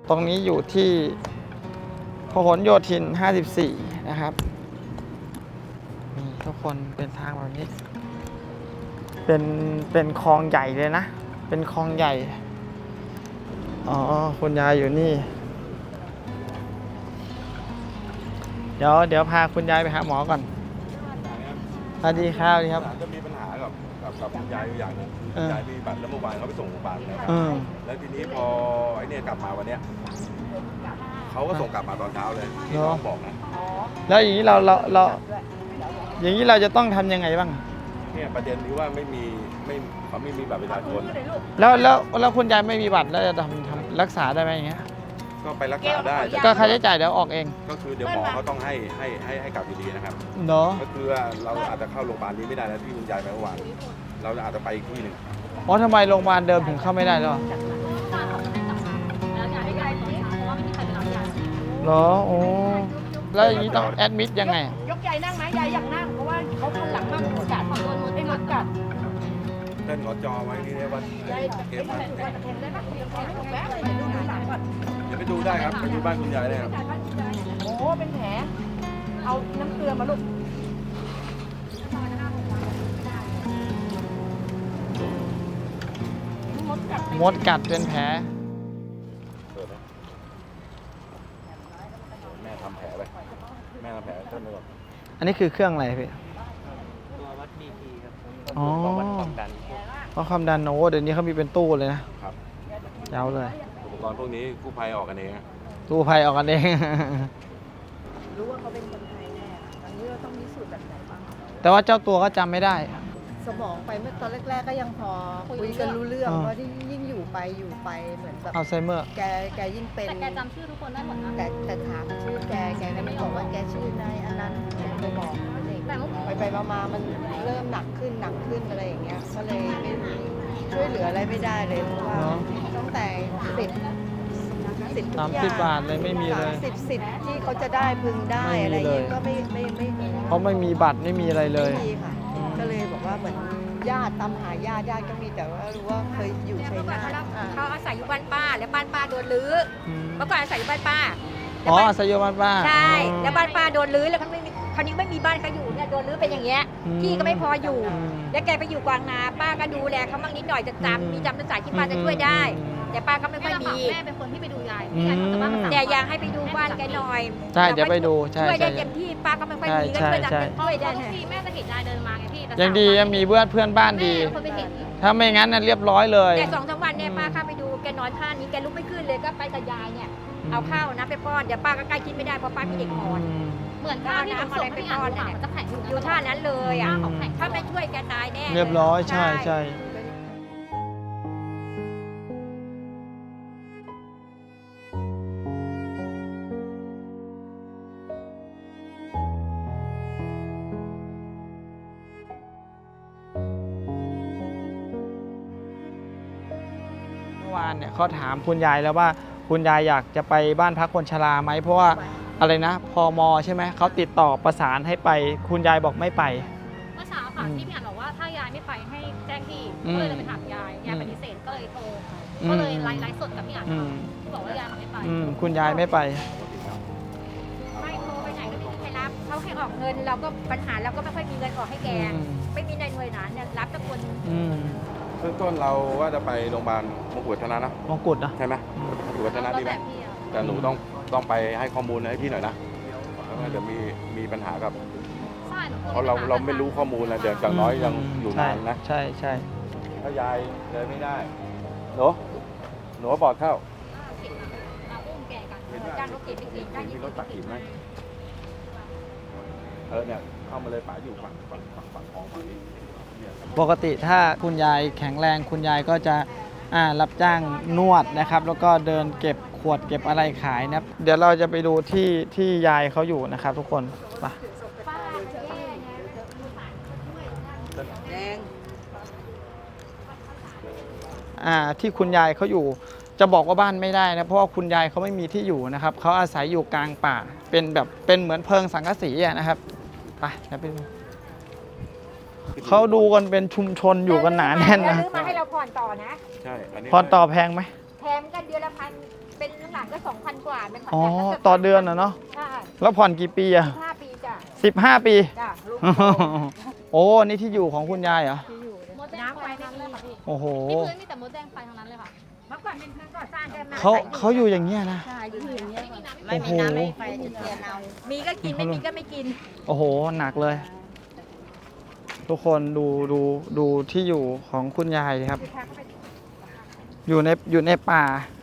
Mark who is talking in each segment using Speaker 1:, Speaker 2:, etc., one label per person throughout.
Speaker 1: ตรงนี้อยู่ที่พหลโยธิน 54 นะครับนี่ทุกคนเป็นทางแบบนี้เป็นคลองใหญ่เลยนะเป็นคลองใหญ่อ๋อคุณยายอยู่นี่เดี๋ยวพาคุณยายไปหาหมอก่อนสวัสดีครับสวัสดีครับ
Speaker 2: ก็มีปัญหากับคุณยายอยู่อย่างหนึงคุณยายมีบัตรแล้วเมื่อวานเขาไปส่งโรงพยาบาลนะครับแล้วทีนี้พอไอ้เนี่ยกลับมาวันเนี้ยเขาก็ส่งกลับมาตอนเช้าเลยที่น้องบอกนะ
Speaker 1: แล้วอย่างนี้เราอย่างนี้เราจะต้องทำยังไงบ้าง
Speaker 2: เนี่ยประเด็นที่ว่าเขาไม่มีบัตรประชาชน
Speaker 1: แล้วคุณยายไม่มีบัตรแล้วจะทำรักษาได้ไหมอย่างเงี้ย
Speaker 2: ก็ไปรักษาได้
Speaker 1: ก็ค่าใช้จ่ายเดี๋ยวออกเอง
Speaker 2: ก็คือเดี๋ยวหมอเขาต้องให้กลับอยู่ดีนะครับ
Speaker 1: เนาะ
Speaker 2: ก็คือเราอาจจะเข้าโรงพยาบาลนี้ไม่ได้แล้วที่คุณยายไปเมื่อวานเราอาจจะไปอีกที่หนึ่ง
Speaker 1: อ๋อทำไมโรงพยาบาลเดิมถึงเข้าไม่ได้หรอเหรอโอ้แล้วอย่างนี้ต้องแอดมิดยังไง
Speaker 3: ยกยายนั่งไหมยายอยากนั่งเพราะว่าเขาคนหลังมากหมดกัดขอโดนหมดให้หมดกัด
Speaker 2: เล่นขอจอไว้ที่นี่ว่าเกมอะไรเดี๋ยวไปดูได้ครับไปดูบ้านคุณยายได้ครับ
Speaker 3: โอ้เป็นแผลเอาน้ำเกลือมาลูก
Speaker 1: มดกัดเป็นแผล
Speaker 2: แม่ทำแผลไปแม่ทำแผลต้นเลย
Speaker 1: อันนี้คือเครื่องอะไรพี่
Speaker 4: ตัววัด BP ครับ
Speaker 1: อ๋อ
Speaker 4: วัดความดัน
Speaker 1: เพราะความดันโอ้เดี๋ยวนี้เขามีเป็นตู้เลยนะครับยาวเลย
Speaker 2: อุปกรณ์พวกนี้กู้ภัยออกกันเอง
Speaker 1: กู้ภัยออกกันเอง
Speaker 3: รู้ว่าเขาเป็นคนไทยแน่ตอนนี้เราต้องมีสูตรแบบไหนบ้าง
Speaker 1: แต่ว่าเจ้าตัวก็จำไม่ได้
Speaker 3: สมองไปเมื่อตอนแรกๆก็ยังพอคุยกันรู้เรื่องเพราะที่ยิ่งอยู่ไปเหมือนแบบ
Speaker 1: อัลไซเมอร์
Speaker 3: แกยิ่งเป็น
Speaker 5: แต่แกจำชื่อทุกคนได้หมดนะ
Speaker 3: แต่ถามชื่อแกก็ไม่บอกว่าแกชื่อนายอันนั้นไปบอกไปมามันเริ่มหนักขึ้นอะไรอย่างเงี้ยก็เลยไม่ช่วยเหลืออะไรไม่ได้เลยเพราะว่าตั้งแต่
Speaker 1: 30 บาทเลยไม่มีเลย
Speaker 3: สิทธิ์ที่เขาจะได้พึงได้อะไรอย่างเงี้ยก็ไม่
Speaker 1: เพราะไม่มีบัตรไม่มีอะไรเลย
Speaker 3: ไม่มีค่ะก็เลยบอกว่าเหมือนญาติตามหาญาติก็มีแต่ว่ารู้ว่าเคยอยู่ชัยนาท
Speaker 5: เขาอาศัยอยู่บ้านป้าแล้วบ้านป้าโดนรื้อเมื่อก่อนอาศัยอยู่บ้านป้า
Speaker 1: อ๋ออาศัยอยู่บ้านป้า
Speaker 5: ใช่แล้วบ้านป้าโดนรื้อแล้วคราวนี้ไม่มีบ้านเขาอยู่เนี่ยโดนรื้อเป็นอย่างเงี้ยที่ก็ไม่พออยู่แล้วแกไปอยู่กวางนาป้าก็ดูแลเขาบ้างนิดหน่อยจะจำภาษาที่ป้าจะช่วยได้แต่ป้าก็ไม่ค่อยมีแม่เป็นคนที่ไปดูยายแต่อยากให้ไปดูบ้านแกหน่อย
Speaker 1: ใช่เดี๋ยวไปดูใช่
Speaker 5: ช่วยได้เต็มที่ป้าก็ไม่ค่อยมีก็ช่วยได้ที่แม่จะเห็นยายเดินมาไงพี่
Speaker 1: ยังดียังมีเพื่อนบ้านดีถ้าไม่งั้นน่ะเรียบร้อยเลย
Speaker 5: แต่2-3 วันเนี่ยป้าเข้าไปดูแกนอนท่านี้แกลุกไม่ขึ้นเลยก็ไปกับยายเนี่ยเอาข้าวนะไปป้อนเดี๋ยวป้าก็ใกล้กินไม่ได้เพราะป้ามีเด็กอ่อนเหมือนข้าวที่ส่งไปป้อนเนี่ยจะแข็งอยู่ท่านั้นเลยอ่ะถ้าไม่ช่วยแกตายแน่
Speaker 1: เรียบร้อยใช่เมื่อวานเนี่ยเขาถามคุณยายแล้วว่าคุณยายอยากจะไปบ้านพักคนชราไหมเพราะว่าอะไรนะพม.ใช่ไหมเขาติดต่อประสานให้ไปคุณยายบอกไม่ไป
Speaker 5: เมื่อเช้าค่ะที่พี่อ่านบอกว่าถ้ายายไม่ไปให้แจ้งที่ก็เลยไปถามยายปฏิเสธก็เลยโทรก็เลยไลฟ์สดกับพี่อ่านที่บอกว่ายายไม่ไป
Speaker 1: คุณยายไม่ไป
Speaker 5: ไม่โทรไปไหนก็ไม่มีใครรับเขาแค่ออกเงินเราก็ปัญหาเราก็ไม่ค่อยมีเงินออกให้แกไม่มีในหน่วยงานเนี่ยรับแต่คน
Speaker 2: เบื้องต้นเราว่าจะไปโรงพยาบาลมงกุฎวัฒนะนะ
Speaker 1: มงกุฎนะ
Speaker 2: ใช่ไหมมงกุฎวัฒนะดีไหมแต่หนูต้องไปให้ข้อมูลให้พี่หน่อยนะเดี๋ยวมีปัญหากับเพราะเราไม่รู้ข้อมูลนะเดี๋ยวอย่างน้อยยังอยู่นานนะ
Speaker 1: ใช่
Speaker 2: ถ้ายายเดินไม่ได้หนูบอดเข้ามีรถตักหินไหมเนี่ยเข้ามาเลยป๋าอยู่ฝั่งคลองฝั่งนี้
Speaker 1: ปกติถ้าคุณยายแข็งแรงคุณยายก็จะรับจ้างนวดนะครับแล้วก็เดินเก็บขวดเก็บอะไรขายนะเดี๋ยวเราจะไปดูที่ยายเขาอยู่นะครับทุกคนไปที่คุณยายเขาอยู่จะบอกว่าบ้านไม่ได้นะเพราะว่าคุณยายเขาไม่มีที่อยู่นะครับเขาอาศัยอยู่กลางป่าเป็นเหมือนเพิงสังกะสีนะครับไปเดี๋ยวไปดูเขาดูกันเป็นชุมชนอยู่กันหนาแน่นนะ
Speaker 5: ซื้อมาให้เราผ่อนต่อนะ
Speaker 2: ใช่
Speaker 1: ผ่อนต่อแพงไหม
Speaker 5: แพงกันเดือนละ1,000 เป็นหลังๆก็ 2,000 กว่าเป็นผ่อน
Speaker 1: อ๋อ
Speaker 5: แรกแล้วก็
Speaker 1: ต่อเดือนเหรอเนาะ
Speaker 5: ใช่
Speaker 1: แล้วผ่อนกี่ปีอะ
Speaker 5: 15 ปีจ้ะ
Speaker 1: 15 ปี
Speaker 5: จ้ะลูก
Speaker 1: โอ้นี่ที่อยู่ของคุณยายเหรอ
Speaker 5: ที่อยู่เนี่ยน้ำไฟไม่มีค่ะพี่
Speaker 1: โอ้โห
Speaker 6: นี่พื้นมีแต่มดแดงไฟทั้งนั้นเลยค่ะ
Speaker 5: เมื่อก่อนเป็นพื้นก่อสร้างกันมา
Speaker 1: เขาอยู่อย่างเงี้ยนะ
Speaker 5: ใช่อยู่อย่างเงี้ย
Speaker 3: ไม่มีน้ำไม่มีไฟจะเทียนเอา
Speaker 5: มีก็กินไม่มีก็ไม่กิน
Speaker 1: โอ้โห หนักเลย ทุกคนดูที่อยู่ของคุณยายครับ อยู่ในป่า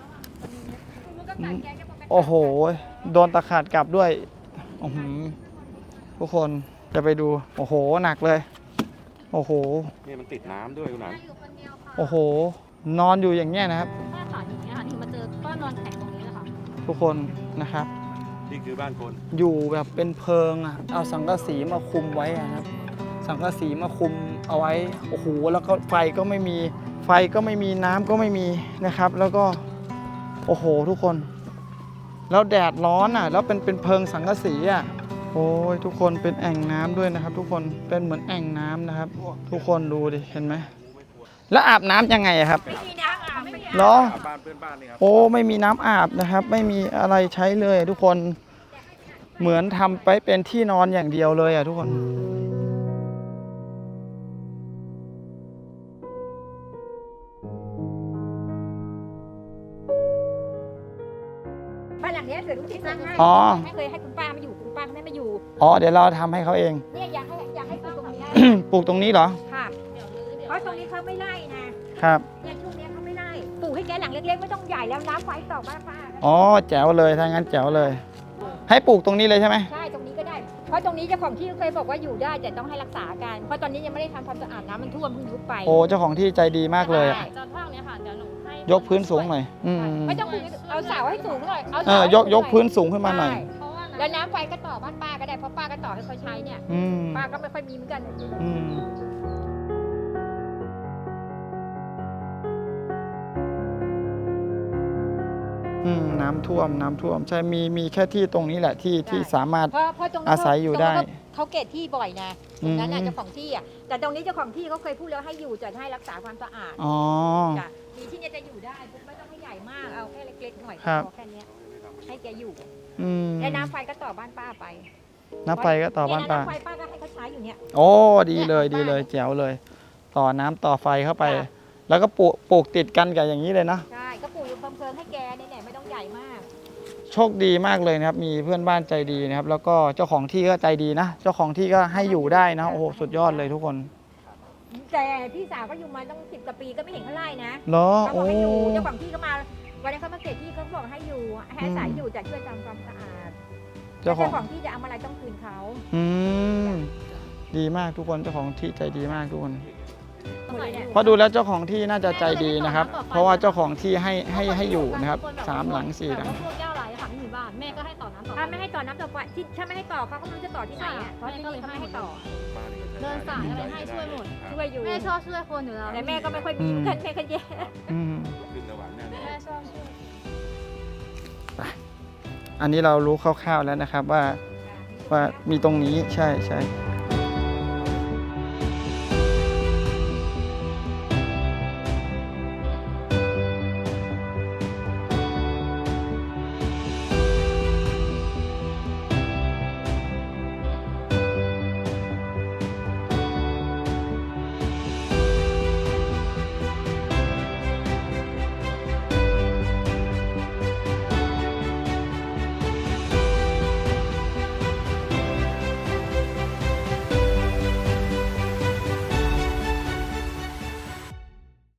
Speaker 1: โอ้โห โดนตะขาดกลับด้วยอื้อหือทุกคนจะไปดู โอ้โห หนักเลย โอ้โห
Speaker 2: นี่มันติดน้ำด้วยคุณหนัน
Speaker 6: อยู่คนเดียวค่ะ
Speaker 1: โอ้โห นอนอยู่อย่างเงี้ยนะครับ
Speaker 6: แม่ขาอย่างเงี้ยค่ะที่มาเจอก็นอนแข็งตรงนี้เลยค่ะ
Speaker 1: ทุกคนนะครับ
Speaker 2: นี่คือบ้านคน
Speaker 1: อยู่แบบเป็นเพิงอ่ะ เอาสังกะสีมาคุมไว้อะครับ สังกะสีมาคุมเอาไว้ โอ้โห แล้วก็ไฟก็ไม่มี ไฟก็ไม่มี น้ำก็ไม่มีนะครับ แล้วก็ โอ้โห ทุกคน แล้วแดดร้อนอ่ะ แล้วเป็นเพิงสังกะสีอ่ะ โอ้ย ทุกคนเป็นแอ่งน้ำด้วยนะครับ ทุกคน เป็นเหมือนแอ่งน้ำนะครับ ทุกคนดูดิ เห็นไหม แล้วอาบน้ำยังไงอะครับ
Speaker 5: ไม่มีน้ำอาบไม่มี
Speaker 1: เหรอ
Speaker 2: บ้านเพื่อนบ้านนี่ครับ
Speaker 1: โอ้ไม่มีน้ำอาบนะครับ ไม่มีอะไรใช้เลยทุกคนเหมือนทำไปเป็นที่นอนอย่างเดียวเลยอ่ะทุกคน
Speaker 5: บ้านหลังเนี้ยเกิดลูกที่สร้างให้
Speaker 1: อ๋อ
Speaker 5: ไม่เคยให้คุณป้ามาอยู่คุณป้าไม่มาอยู่
Speaker 1: อ๋อเดี๋ยวเราทำให้เขาเอง
Speaker 5: เนี่ยอยากให้ปลูกตรงนี้
Speaker 1: ปลูกตรงนี้เหรอ
Speaker 5: ค่ะ เพราะตรงนี้เขาไม่ไล่นะครับ เนี่ยช่วงเนี้ยเขาไม่ไล่ปลูกให้แกหลังเล็กๆไม่ต้องใหญ่แล้วน้ำไฟต่อบ้านป้า
Speaker 1: อ๋อแจ๋วเลยถ้างั้นแจ๋วเลย ให้ปลูกตรงนี้เลยใช่ไหม
Speaker 5: ใช่ตรงนี้ก็ได้ เพราะตรงนี้เจ้าของที่เคยบอกว่าอยู่ได้แต่ต้องให้รักษากัน เพราะตอนนี้ยังไม่ได้ทำความสะอาดน้ำมันท่วมเพิ่งยุบไป
Speaker 1: โอ้เจ้าของที่ใจดีมากเลยอะ
Speaker 5: ใช่
Speaker 6: จอนท่าเนี้ยค่ะเดี๋ยวหนูให้
Speaker 1: ยกพื้นสูงหน่อยอืม
Speaker 5: ไม่ต้องปลูกเอาเสาให้สูงหน่อยเอา
Speaker 1: เอ
Speaker 5: เสา
Speaker 1: อ
Speaker 5: ให้
Speaker 1: ยก
Speaker 5: สูง
Speaker 1: ยกพื้นสูงขึ้นมาหน่อย
Speaker 5: ใช่
Speaker 6: เพราะว่า
Speaker 5: แล้วน้ำไฟก็ต่อบ้านป้าก็ได้เพราะป้าก็ต่อให้เขาใช้เนี่ย
Speaker 1: อืม
Speaker 5: ป้าก็ไม่ค่อยมีเหมือนกัน
Speaker 1: อืมน้ำท่วมใช่มีแค่ที่ตรงนี้แหละที่สามารถ
Speaker 5: เพราะตรงนี้
Speaker 1: อาศัยอยู่ได้
Speaker 5: เขาเกตที่บ่อยนะตรงนั้นน่ะ
Speaker 1: อืม
Speaker 5: เจ้าของที่อ่ะแต่ตรงนี้เจ้าของที่เขาเคยพูดแล้วให้อยู่จะให้รักษาความสะอาด
Speaker 1: อ๋อ
Speaker 5: จ้ะมีที่เนี่ยจะอยู่ได้ไม่ต้องให้ใหญ่มากเอาแค่เล็กๆหน่อย
Speaker 1: ครับ
Speaker 5: พอแค่เนี้ยให้แกอยู่
Speaker 1: อืม
Speaker 5: และน้ำไฟก็ต่อบ้านป้าไป
Speaker 1: น้ำไฟก็ต่อบ้านป้า
Speaker 5: น้ำไฟป้าก็ให้เขาใช้อยู่เนี่ย
Speaker 1: โอ้ดีเลยแจ๋วเลย ต่อน้ำต่อไฟเข้าไป
Speaker 5: จ้ะ
Speaker 1: แล้วก็ปลูกติดกันกับอย่างนี้เลยนะ
Speaker 5: ใช่ก็ปลูกอยู่เพลิงๆให้แกเนี่ยไม่ต้องใหญ่มาก
Speaker 1: โชคดีมากเลยนะครับ มีเพื่อนบ้านใจดีนะครับ แล้วก็เจ้าของที่ก็ใจดีนะ เจ้าของที่ก็ให้อยู่ได้นะ โอ้โหสุดยอดเลยทุกคน
Speaker 5: แต่พี่สาวก็อยู่มาตั้ง10 กว่าปีก็ไม่เห็นเขาไล่นะ
Speaker 1: เหรอ
Speaker 5: เขาบ
Speaker 1: โอ้
Speaker 5: อกให้อยู่เจ้าของที่ก็มาวันนี้นเขามาเก็บที่เขาบอกให้อยู่ให้อาศัยอยู่แต่ช่วยทำความสะอาด
Speaker 1: เจ้า
Speaker 5: แล้ว
Speaker 1: ของ
Speaker 5: เจ้าของที่จะเอาอะไรต้องคืนเขา
Speaker 1: อืมดีมากทุกคน เจ้าของที่ใจดีมากทุกคน
Speaker 5: หมดเลยเนี่ย
Speaker 1: เพราะดูแล้วเจ้าของที่น่าจะใจดีนะครับ เพราะว่าเจ้าของที่ให้อยู่นะครับ3 หลัง 4 หลัง
Speaker 6: พวกแก้วไหลค่ะไม่มีบ้านแม่ก็ให้ต่อน้ำต่อ
Speaker 5: ถ้าไม่ให้ต่อน้ำต่อไฟที่ถ้าไม่ให้ต่อเขาก็ไม่รู้จะต่อที่ไหนอ่ะเพราะที่นี่เขาไม่ให้ต่อ
Speaker 2: บ้านนี่ก็ใช้
Speaker 6: เดินสายอะไรให้ช่วยหมด
Speaker 2: ครับ
Speaker 5: ช่วยอยู่
Speaker 6: แม่ชอบช่วยคนอยู่แล้ว
Speaker 5: แต่แม่ก็ไม่ค่อยมีเหมือนกันแม่ก็แย่
Speaker 1: อืม
Speaker 2: ขึ้นระหว่างแน่นอน
Speaker 6: แม่ชอบช่วย
Speaker 1: อันนี้เรารู้คร่าวๆแล้วนะครับว่ามีตรงนี้ใช่